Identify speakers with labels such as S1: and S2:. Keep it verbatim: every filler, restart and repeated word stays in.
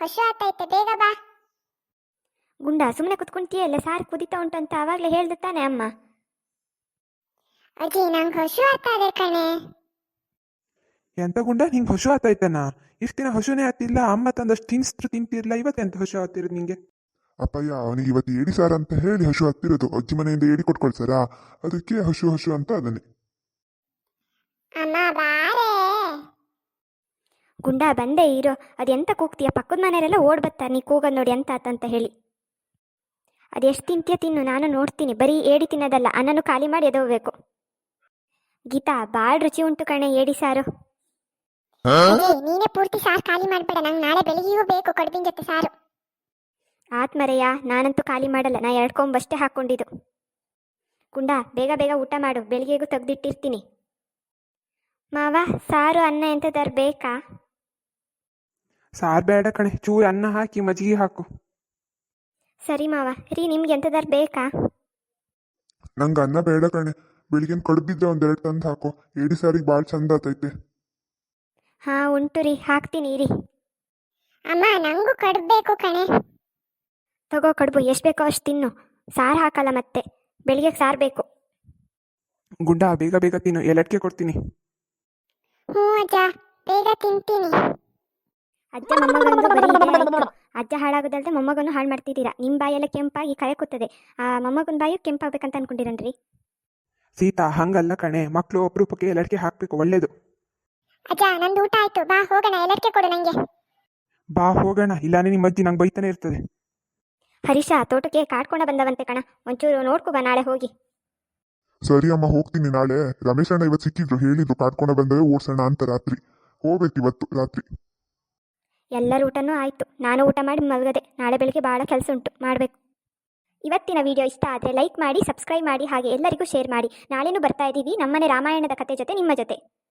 S1: ಹಶು ಆತೈತೆ, ಬೇಗ ಬಾ.
S2: ಗುಂಡ ಸುಮ್ಮನೆ ಕುತ್ಕೊಂತೀಯಲ್ಲ, ಸಾರು ಕುದಿತಾ ಉಂಟು ಅಂತ ಆವಾಗಲೇ ಹೇಳ್ದು ತಾನೆ ಅಮ್ಮ.
S1: ಅಜ್ಜಿ ನಂಗೆ ಹಶು ಆಗ್ತದೆ ಕಣೆ.
S3: ಎಂತ ಗುಂಡ ನಿಂಗೆ ಹಶು ಆತಾಯ್ತಾನ? ಇಷ್ಟು ದಿನ ಹಶುನೇ ಆತಿಲ್ಲ, ಅಮ್ಮ ತಂದಷ್ಟು ತಿನ್ಸ್ತು ತಿಂತಿರ್ಲ, ಇವತ್ತೆಂತ ಹಶು ಆಗ್ತಿರೋದು ನಿಂಗೆ?
S4: ಅಪ್ಪಯ್ಯ ಅವನಿಗೆ ಇವತ್ತು ಏಡಿ ಸಾರ ಅಂತ ಹೇಳಿ ಹಶು ಆಗ್ತಿರೋದು. ಅಜ್ಜಿ ಮನೆಯಿಂದ ಏಡಿ ಕೊಟ್ಕೊಳ್ಸಾರ, ಅದಕ್ಕೆ ಹಶು ಹಶು ಅಂತ ಅದನ್ನೇ.
S1: ಅಮ್ಮ ಬಾರೇ.
S2: ಗುಂಡ ಬಂದೇ ಇರೋ, ಅದೆಂತ ಕೂಗ್ತೀಯ? ಪಕ್ಕದ ಮನೆಯವರೆಲ್ಲ ಓಡ್ ಬರ್ತಾರೆ ನೀ ಕೂಗೋದು ನೋಡಿ ಎಂತ ಆತಂತ ಹೇಳಿ. ಅದೆಷ್ಟು ತಿಂತೀಯ ತಿನ್ನು, ನಾನು ನೋಡ್ತೀನಿ. ಬರೀ ಏಡಿ ತಿನ್ನೋದಲ್ಲ, ಅನ್ನನು ಖಾಲಿ ಮಾಡಿ ಎದೋಗ್ಬೇಕು. ಗೀತಾ ಭಾಳ ರುಚಿ ಉಂಟು ಕಣೆ ಏಡಿ ಸಾರು.
S1: ಅಜ್ಜಿ ನೀನೇ ಪೂರ್ತಿ ಸಾರು ಖಾಲಿ ಮಾಡ್ಬೇಡ, ನಂಗೆ ನಾಳೆ ಬೆಳಿಗ್ಗೆಯೂ ಬೇಕು ಕಡುಬಿನ ಜೊತೆ ಸಾರು.
S2: ಆತ್ಮರೆಯ, ನಾನಂತೂ ಖಾಲಿ ಮಾಡಲ್ಲ, ನಾ ಎರಡು ಕೊಂಬಷ್ಟೇ ಹಾಕ್ಕೊಂಡಿದ್ದು. ಗುಂಡ ಬೇಗ ಬೇಗ ಊಟ ಮಾಡು, ಬೆಳಿಗ್ಗೆಗೂ ತೆಗ್ದಿಟ್ಟಿರ್ತೀನಿ. ಮಾವ ಸಾರು ಅನ್ನ ಎಂಥದಾರು ಬೇಕಾ?
S3: ಸಾರು ಬೇಡ ಕಣೆ, ಚೂರು ಅನ್ನ ಹಾಕಿ ಮಜ್ಜಿಗೆ ಹಾಕು.
S2: ಸರಿ ಮಾವ. ರೀ ನಿಮ್ಗೆ ಎಂಥದಾರು ಬೇಕಾ?
S4: ನಂಗೆ ಅನ್ನ ಬೇಡ ಕಣೆ, ಬೆಳಿಗ್ಗೆ ಕಡುಬಿದ್ರೆ ಒಂದೆರಡು ತಂದು ಹಾಕೋ. ಏಡಿ ಸಾರಿಗೆ ಭಾಳ ಚಂದ ಆತೈತೆ.
S2: ಹಾಂ ಉಂಟು ರೀ, ಹಾಕ್ತೀನಿ ರೀ.
S1: ಅಮ್ಮ ನಂಗೂ ಕಡುಬು ಬೇಕು ಕಣೆ.
S2: ತಗೋ ಕಡುಬು, ಎಷ್ಟು ಬೇಕೋ ಅಷ್ಟು ತಿನ್ನು. ಸಾರು ಹಾಕಲ್ಲ ಮತ್ತೆ, ಬೆಳಿಗ್ಗೆ ಸಾರು ಬೇಕು.
S3: ಗುಂಡ ಬೇಗ ಬೇಗ ತಿನ್ನು, ಎಲ್ಲಟ್ಕೆ ಕೊಡ್ತೀನಿ.
S1: ಹ್ಞೂ ಅಜ್ಜ, ಬೇಗ ತಿಂತೀನಿ.
S2: ಅಜ್ಜ ಮೊಮ್ಮಗಂದು ಬರೀ ಇದೇ ಆಯಿತು. ಅಜ್ಜ ಹಾಳಾಗೋದಲ್ದೆ ಮೊಮ್ಮಗನ್ನು ಹಾಳು ಮಾಡ್ತಿದ್ದೀರಾ. ನಿಮ್ಮ ಬಾಯೆಲ್ಲ ಕೆಂಪಾಗಿ ಕರೆಕುತ್ತದೆ. ಆ ಮೊಮ್ಮಗನ ಬಾಯು ಕೆಂಪಾಗಬೇಕಂತ ಅನ್ಕೊಂಡಿರನ್ರಿ.
S3: ಸೀತಾ ಹಂಗಲ್ಲ ಕಣೆ, ಮಕ್ಕಳು ಅಪರೂಪಕ್ಕೆ ಎಲ್ಲಟ್ಕೆ ಹಾಕಬೇಕು, ಒಳ್ಳೇದು.
S1: ಅಜ್ಜ ನಂದು ಊಟ ಆಯ್ತು, ಬಾ ಹೋಗೋಣ, ಎಲ್ಲಕ್ಕೆ ಕೊಡು ನಂಗೆ.
S3: ಬಾ ಹೋಗೋಣ, ಇಲ್ಲಾನೆ ನಿಮ್ಮ ಅಜ್ಜಿ ನಂಗೆ ಬೈತಾನೆ ಇರ್ತದೆ.
S2: ಹರೀಶ ತೋಟಕ್ಕೆ ಕಾಡ್ಕೊಂಡ ಬಂದವಂತೆ ಕಣ, ಒಂಚೂರು ನೋಡ್ಕೊ ಬಾ ನಾಳೆ ಹೋಗಿ.
S4: ಸರಿ ಅಮ್ಮ ಹೋಗ್ತೀನಿ ನಾಳೆ. ರಮೇಶ್ ಅಣ್ಣ ಇವತ್ತು ಸಿಕ್ಕಿದ್ರು, ಹೇಳಿದ್ರು ಕಾಡ್ಕೊಂಡು ಬಂದವೆ ಓಡ್ಸೋಣ ಅಂತ. ರಾತ್ರಿ ಹೋಗ್ಬೇಕು ಇವತ್ತು ರಾತ್ರಿ.
S2: ಎಲ್ಲರ ಊಟನೂ ಆಯಿತು, ನಾನು ಊಟ ಮಾಡಿ ಮಲಗದೆ. ನಾಳೆ ಬೆಳಿಗ್ಗೆ ಭಾಳ ಕೆಲಸ ಉಂಟು, ಮಾಡಬೇಕು. ಇವತ್ತಿನ ವಿಡಿಯೋ ಇಷ್ಟ ಆದರೆ ಲೈಕ್ ಮಾಡಿ, ಸಬ್ಸ್ಕ್ರೈಬ್ ಮಾಡಿ, ಹಾಗೆ ಎಲ್ಲರಿಗೂ ಶೇರ್ ಮಾಡಿ. ನಾಳೆನೂ ಬರ್ತಾ ಇದ್ದೀವಿ ನಮ್ಮನೆ ರಾಮಾಯಣದ ಕತೆ ಜೊತೆ ನಿಮ್ಮ ಜೊತೆ.